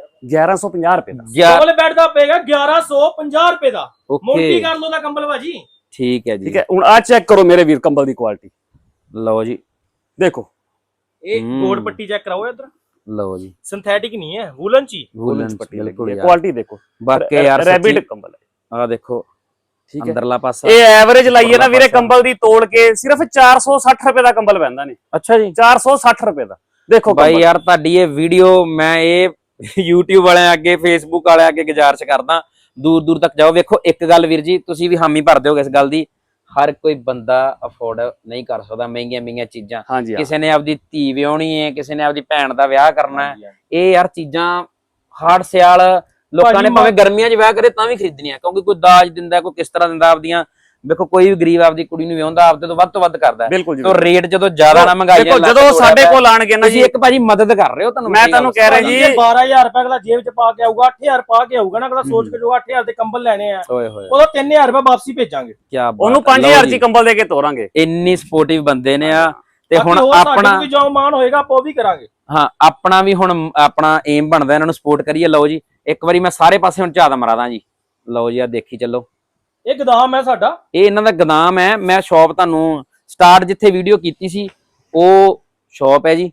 1150 ਰੁਪਏ ਦਾ।
ਡਬਲ ਬੈੱਡ ਦਾ ਪਏਗਾ 1150 ਰੁਪਏ ਦਾ। ਮੌਂਟੀ ਕਾਰਲੋ ਦਾ ਕੰਬਲ ਭਾਜੀ।
ਠੀਕ ਹੈ ਜੀ,
ਠੀਕ ਹੈ। ਹੁਣ ਆ ਚੈੱਕ ਕਰੋ ਮੇਰੇ ਵੀਰ ਕੰਬਲ ਦੀ ਕੁਆਲਿਟੀ।
ਲਓ ਜੀ
ਦੇਖੋ,
ਇਹ ਗੋੜ ਪੱਟੀ ਚੈੱਕ ਕਰਾਓ ਇੱਧਰ।
ਲਓ ਜੀ
ਸਿੰਥੈਟਿਕ ਨਹੀਂ ਹੈ, ਵੂਲਨ ਚ।
ਵੂਲਨ ਪੱਟੀ ਬਿਲਕੁਲ ਯਾਰ।
ਕੁਆਲਿਟੀ ਦੇਖੋ,
ਬਾਕੀ ਯਾਰ
ਰੈਬਿਟ ਕੰਬਲ ਹੈ।
ਆ ਦੇਖੋ
ਠੀਕ ਹੈ,
ਅੰਦਰਲਾ ਪਾਸਾ।
ਇਹ ਐਵਰੇਜ ਲਾਈਏ ਨਾ ਵੀਰੇ ਕੰਬਲ ਦੀ ਤੋੜ ਕੇ ਸਿਰਫ 460 ਰੁਪਏ ਦਾ ਕੰਬਲ ਪੈਂਦਾ ਨੇ।
ਅੱਛਾ ਜੀ,
460 ਰੁਪਏ ਦਾ। ਦੇਖੋ
ਬਾਈ ਯਾਰ ਤੁਹਾਡੀ ਇਹ ਵੀਡੀਓ ਮੈਂ ਇਹ YouTube ਵਾਲਿਆਂ ਅੱਗੇ Facebook ਵਾਲਿਆਂ ਅੱਗੇ ਗੁਜ਼ਾਰਿਸ਼ ਕਰਦਾ, ਦੂਰ ਦੂਰ ਤੱਕ ਜਾਓ। ਵੇਖੋ ਇੱਕ ਗੱਲ ਵੀਰ ਜੀ, ਤੁਸੀਂ ਵੀ ਹਾਮੀ ਭਰ ਦਿਓਗੇ ਇਸ ਗੱਲ ਦੀ, ਹਰ ਕੋਈ ਬੰਦਾ ਅਫੋਰਡ ਨਹੀਂ ਕਰ ਸਕਦਾ ਮਹਿੰਗੀਆਂ ਚੀਜ਼ਾਂ। ਕਿਸੇ ਨੇ ਆਪਦੀ ਧੀ ਵਿਆਹਣੀ ਹੈ, ਕਿਸੇ ਨੇ ਆਪਦੀ ਭੈਣ ਦਾ ਵਿਆਹ ਕਰਨਾ ਹੈ। ਇਹ ਯਾਰ ਚੀਜ਼ਾਂ ਹਾੜ ਸਿਆਲ ਲੋਕਾਂ ਨੇ ਭਾਵੇਂ ਗਰਮੀਆਂ 'ਚ ਵਿਆਹ ਕਰੇ ਤਾਂ ਵੀ ਖਰੀਦਣੀਆਂ, ਕਿਉਂਕਿ ਕੋਈ ਦਾਜ ਦਿੰਦਾ, ਕੋਈ ਕਿਸ ਤਰ੍ਹਾਂ ਦਿੰਦਾ। ਆਪਦੀਆਂ ਵੇਖੋ ਕੋਈ ਵੀ ਗਰੀਬ ਆਪਦੀ ਕੁੜੀ ਨੂੰ ਵਿਆਹੁੰਦਾ ਆਪਦੇ ਤੋਂ ਵੱਧ ਕਰਦਾ। ਤਾਂ ਰੇਟ ਜਦੋਂ ਜ਼ਿਆਦਾ ਨਾ ਮਹਿੰਗਾਈ
ਜਦੋਂ ਸਾਡੇ ਕੋਲ ਆਣਗੇ ਨਾ
ਜੀ, ਇੱਕ ਭਾਜੀ ਮਦਦ ਕਰ ਰਹੇ ਹੋ। ਤੁਹਾਨੂੰ
ਮੈਂ ਤੁਹਾਨੂੰ ਕਹਿ ਰਿਹਾ ਜੀ,
12000 ਰੁਪਏ ਅਗਲਾ ਜੇਬ 'ਚ ਪਾ ਕੇ ਆਊਗਾ, 8000 ਪਾ ਕੇ ਆਊਗਾ ਨਾ, ਅਗਲਾ ਸੋਚ ਕੇ ਜੋ 8000 ਦੇ ਕੰਬਲ ਲੈਣੇ ਆ, ਉਹਦਾ 3000 ਰੁਪਏ ਵਾਪਸੀ ਭੇਜਾਂਗੇ।
ਉਹਨੂੰ 5000 ਦੀ ਕੰਬਲ ਦੇ ਕੇ ਤੋਰਾਂਗੇ।
ਇੰਨੀ ਸਪੋਰਟਿਵ ਬੰਦੇ ਨੇ ਆ। ਤੇ ਹੁਣ ਆਪਣਾ
ਵੀ ਜੋ ਮਾਨ ਹੋਏਗਾ ਆਪਾਂ ਉਹ ਵੀ ਕਰਾਂਗੇ।
ਹਾਂ, ਆਪਣਾ ਵੀ ਹੁਣ ਆਪਣਾ ਏਮ ਬਣਦਾ ਇਹਨਾਂ ਨੂੰ ਸਪੋਰਟ ਕਰੀਏ। ਲਓ ਜੀ ਇੱਕ ਵਾਰੀ ਮੈਂ ਸਾਰੇ ਪਾਸੇ ਹੁਣ ਝਾਤ ਮਰਾਦਾ ਜੀ। ਲਓ ਜੀ ਆ ਦੇਖੀ ਚੱਲੋ,
ਇਹ ਗੋਦਾਮ ਹੈ ਸਾਡਾ।
ਇਹ ਇਹਨਾਂ ਦਾ ਗੋਦਾਮ ਹੈ। ਮੈਂ ਸ਼ਾਪ ਤੁਹਾਨੂੰ ਸਟਾਰਟ ਜਿੱਥੇ ਵੀਡੀਓ ਕੀਤੀ ਸੀ ਉਹ ਸ਼ਾਪ ਹੈ ਜੀ।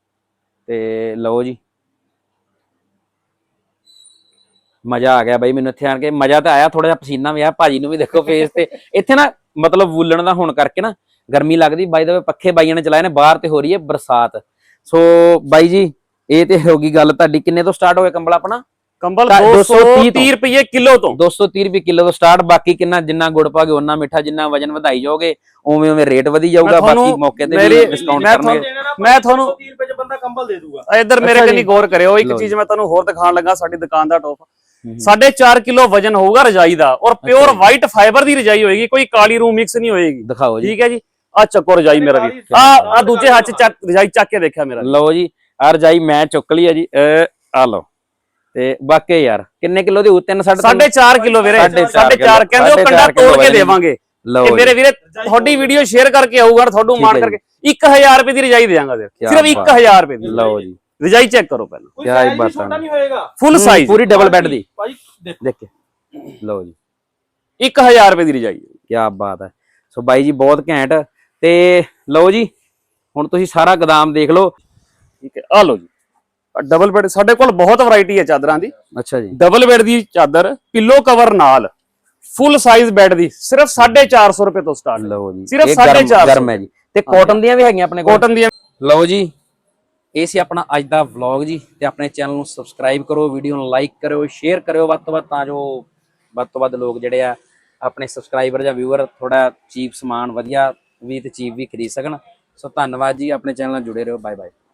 ਤੇ ਲਓ ਜੀ ਮਜ਼ਾ ਆ ਗਿਆ ਬਾਈ ਮੈਨੂੰ ਇੱਥੇ ਆਣ ਕੇ। ਮਜ਼ਾ ਤਾਂ ਆਇਆ, ਥੋੜਾ ਜਿਹਾ ਪਸੀਨਾ ਵੀ ਆਇਆ ਭਾਜੀ ਨੂੰ ਵੀ। ਦੇਖੋ ਫੇਸ ਤੇ ਇੱਥੇ ਨਾ ਮਤਲਬ ਵੂਲਣ ਦਾ ਹੋਣ ਕਰਕੇ ਨਾ ਗਰਮੀ ਲੱਗਦੀ। ਬਾਈ ਦਾ ਪੱਖੇ ਬਾਈਆਂ ਨੇ ਚਲਾਏ ਨੇ, ਬਾਹਰ ਤੇ ਹੋ ਰਹੀ ਹੈ ਬਰਸਾਤ। ਸੋ ਬਾਈ ਜੀ ਇਹ ਤੇ ਹੋ ਗਈ ਗੱਲ ਤੁਹਾਡੀ। ਕਿੰਨੇ ਤੋਂ ਸਟਾਰਟ ਹੋ ਗਿਆ ਕੰਬਲ ਆਪਣਾ?
ਕੰਬਲ 230 ਰੁਪਏ ਕਿਲੋ ਤੋਂ। 230
ਰੁਪਏ ਕਿਲੋ ਤੋਂ ਸਟਾਰਟ। ਬਾਕੀ ਕਿੰਨਾ ਜਿੰਨਾ ਗੁੜ ਪਾਗੇ ਉਹਨਾਂ ਮਿੱਠਾ, ਜਿੰਨਾ ਵਜਨ ਵਧਾਈ ਜਾਓਗੇ ਉਵੇਂ ਉਵੇਂ ਰੇਟ ਵਧੀ ਜਾਊਗਾ। ਬਾਕੀ ਮੌਕੇ ਤੇ ਵੀ ਡਿਸਕਾਊਂਟ ਕਰਨਗੇ।
ਮੈਂ ਤੁਹਾਨੂੰ
30 ਰੁਪਏ 'ਚ ਬੰਦਾ ਕੰਬਲ ਦੇ ਦੂਗਾ।
ਇੱਧਰ ਮੇਰੇ ਕੰਨੀ ਗੌਰ ਕਰਿਓ। ਇੱਕ ਚੀਜ਼ ਮੈਂ ਤੁਹਾਨੂੰ ਹੋਰ ਦਿਖਾਉਣ ਲੱਗਾ। ਸਾਡੀ ਦੁਕਾਨ ਦਾ ਟੌਪ 4.5 ਕਿਲੋ ਵਜਨ ਹੋਊਗਾ ਰਜਾਈ ਦਾ, ਔਰ ਪਿਓਰ ਵਾਈਟ ਫਾਈਬਰ ਦੀ ਰਜਾਈ ਹੋਏਗੀ, ਕੋਈ ਕਾਲੀ ਰੂ ਮਿਕਸ ਨਹੀਂ ਹੋਏਗੀ।
ਦਿਖਾਓ ਜੀ।
ਠੀਕ ਹੈ ਜੀ, ਆ ਚੱਕੋ ਰਜਾਈ ਮੇਰਾ ਵੀ। ਆ ਦੂਜੇ ਹੱਥ 'ਚ ਰਜਾਈ ਚੱਕ ਕੇ ਦੇਖਿਆ ਮੇਰਾ।
ਲਓ ਜੀ ਆ ਰਜਾਈ ਮੈਂ ਚੁੱਕ ਲਈ ਹੈ ਜੀ। ਆ ਲਓ। ਤੇ ਬਾਕੀ ਯਾਰ ਕਿੰਨੇ ਕਿਲੋ ਦੇ?
3.5 ਕਿਲੋ ਵੀਰੇ। 4.5 ਕਹਿੰਦੇ ਉਹ ਕੰਡਾ ਤੋੜ ਕੇ ਦੇਵਾਂਗੇ। ਇਹ ਮੇਰੇ ਵੀਰੇ ਤੁਹਾਡੀ ਵੀਡੀਓ ਸ਼ੇਅਰ ਕਰਕੇ ਆਊਗਾ, ਤੁਹਾਨੂੰ ਮਾਣ ਕਰਕੇ 1000 ਰੁਪਏ ਦੀ ਰਜਾਈ ਦੇਵਾਂਗਾ ਸਿਰਫ 1000 ਰੁਪਏ ਦੀ।
ਲਓ ਜੀ
ਰਜਾਈ ਚੈੱਕ ਕਰੋ ਪਹਿਲਾਂ।
ਕੀ ਬਾਤ
ਛੋਟਾ ਨਹੀਂ ਹੋਏਗਾ,
ਫੁੱਲ ਸਾਈਜ਼
ਪੂਰੀ ਡਬਲ ਬੈੱਡ ਦੀ।
ਭਾਈ
ਦੇਖੇ। ਲਓ ਜੀ
1000 ਰੁਪਏ ਦੀ ਰਜਾਈ।
ਕੀ ਬਾਤ ਹੈ। ਸੋ ਬਾਈ ਜੀ ਬਹੁਤ ਘੈਂਟ। ਤੇ ਲਓ ਜੀ ਹੁਣ ਤੁਸੀਂ ਸਾਰਾ ਗੋਦਾਮ ਦੇਖ ਲਓ।
ਠੀਕ ਹੈ, ਆ ਲਓ ਜੀ ਡਬਲ ਬੈੱਡ, ਸਾਡੇ ਕੋਲ ਬਹੁਤ ਵੈਰਾਈਟੀ ਹੈ ਚਾਦਰਾਂ ਦੀ।
ਅੱਛਾ ਜੀ।
ਡਬਲ ਬੈੱਡ ਦੀ ਚਾਦਰ ਪਿੱਲੋ ਕਵਰ ਨਾਲ ਫੁੱਲ ਸਾਈਜ਼ ਬੈੱਡ ਦੀ ਸਿਰਫ 450 ਰੁਪਏ ਤੋਂ ਸਟਾਰਟ।
ਲਓ ਜੀ
ਸਿਰਫ
ਇਹ
450
ਗਰਮ ਹੈ ਜੀ। ਤੇ ਕਾਟਨ ਦੀਆਂ ਵੀ ਹੈਗੀਆਂ ਆਪਣੇ ਕੋਲ?
ਕਾਟਨ ਦੀਆਂ।
ਲਓ ਜੀ ਇਹ ਸੀ ਆਪਣਾ ਅੱਜ ਦਾ ਵਲੌਗ ਜੀ। ਤੇ ਆਪਣੇ ਚੈਨਲ ਨੂੰ ਸਬਸਕ੍ਰਾਈਬ ਕਰੋ, ਵੀਡੀਓ ਨੂੰ ਲਾਈਕ ਕਰਿਓ, ਸ਼ੇਅਰ ਕਰਿਓ ਵੱਧ ਤੋਂ ਵੱਧ, ਤਾਂ ਜੋ ਵੱਧ ਤੋਂ ਵੱਧ ਲੋਕ ਜਿਹੜੇ ਆ ਆਪਣੇ ਸਬਸਕ੍ਰਾਈਬਰ ਜਾਂ ਵਿਊਅਰ ਥੋੜਾ ਚੀਪ ਸਮਾਨ ਵਧੀਆ ਵੀ ਤੇ ਚੀਪ ਵੀ ਖਰੀਦ ਸਕਣ। ਸੋ ਧੰਨਵਾਦ ਜੀ, ਆਪਣੇ ਚੈਨਲ ਨਾਲ ਜੁੜੇ ਰਹੋ। Bye bye.